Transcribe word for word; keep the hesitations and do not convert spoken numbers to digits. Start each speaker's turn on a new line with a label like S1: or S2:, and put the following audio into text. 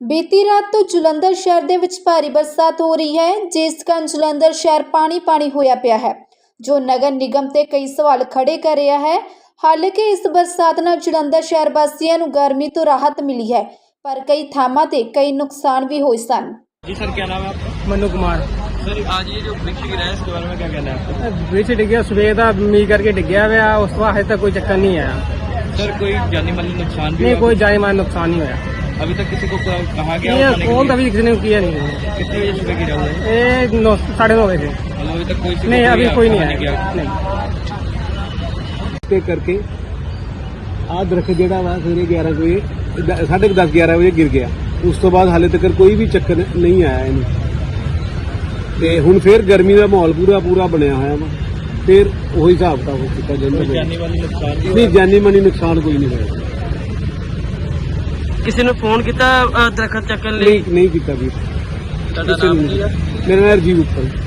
S1: ਬੀਤੀ ਰਾਤ ਤੋਂ ਜਲੰਧਰ ਸ਼ਹਿਰ ਦੇ ਵਿੱਚ ਭਾਰੀ ਬਰਸਾਤ ਹੋ ਰਹੀ ਹੈ, ਜਿਸ ਕਾਰਨ ਜਲੰਧਰ ਸ਼ਹਿਰ ਪਾਣੀ ਪਾਣੀ ਹੋਇਆ ਪਿਆ ਹੈ, ਜੋ ਨਗਰ ਨਿਗਮ ਤੇ ਕਈ ਸਵਾਲ ਖੜੇ ਕਰ ਰਿਹਾ ਹੈ। ਹਾਲਾਂਕਿ ਇਸ ਬਰਸਾਤ ਨਾਲ ਜਲੰਧਰ ਸ਼ਹਿਰ ਵਾਸੀਆਂ ਨੂੰ ਗਰਮੀ ਤੋਂ राहत मिली है, पर कई थामां ते कई नुकसान भी हुए सन।
S2: जी सर, क्या नाम है आपका?
S3: मनु कुमार।
S2: सर, आज ये जो वृक्ष गिरा है इसके बारे में क्या कहना है आपका?
S3: वृक्ष डिग गया, सवेर का मीह करके डिग गया हुआ, उस बाद अजे तक कोई चक्कर नहीं आया।
S2: सर, कोई जानी माली नुकसान भी
S3: नहीं,
S2: हुआ?
S3: कोई जानी माली नुकसान नहीं होया।
S2: अभी तक किसी को कहा गया?
S3: ये फोन अभी किसी ने किया नहीं।
S2: कितनी बजे सुबह गिरा हुआ है?
S3: ये नौ साढ़े नौ बजे।
S2: मतलब अभी तक कोई
S3: नहीं, अभी कोई नहीं
S2: आया?
S3: आया।
S4: ਤੇ ਕਰਕੇ ਆਹ ਦਰਖਤ ਜਿਹੜਾ ਵਾ ਸਵੇਰੇ ਗਿਆਰਾਂ ਵਜੇ ਸਾਢੇ ਦਸ ਗਿਆਰਾਂ ਵਜੇ ਗਿਰ ਗਿਆ। ਉਸ ਤੋਂ ਬਾਅਦ ਹਾਲੇ ਤੱਕ ਕੋਈ ਵੀ ਚੱਕਰ ਨਹੀਂ ਆਇਆ ਇਹਨੂੰ, ਤੇ ਹੁਣ ਫੇਰ ਗਰਮੀ ਦਾ ਮਾਹੌਲ ਪੂਰਾ ਪੂਰਾ ਬਣਿਆ ਹੋਇਆ ਵਾ। ਫੇਰ ਉਹੀ ਹਿਸਾਬ ਤਾਂ ਹੋ ਚੁੱਕਾ ਜਾਂਦਾ।
S2: ਜਾਨੀ माली नुकसान भी
S4: ਨਹੀਂ, ਜਾਨੀ ਮਾਨੀ ਨੁਕਸਾਨ ਕੋਈ ਨਹੀਂ ਹੋਇਆ।
S3: किसी ने फोन किया दरखत चक्कर
S4: ਨਹੀਂ ਨਹੀਂ ਕੀਤਾ ਵੀ।
S2: ਤੁਹਾਡਾ ਨਾਮ ਕੀ ਹੈ?
S4: ਮੇਰਾ ਨਾਮ ਰਜੀਵ ਉੱਪਲ।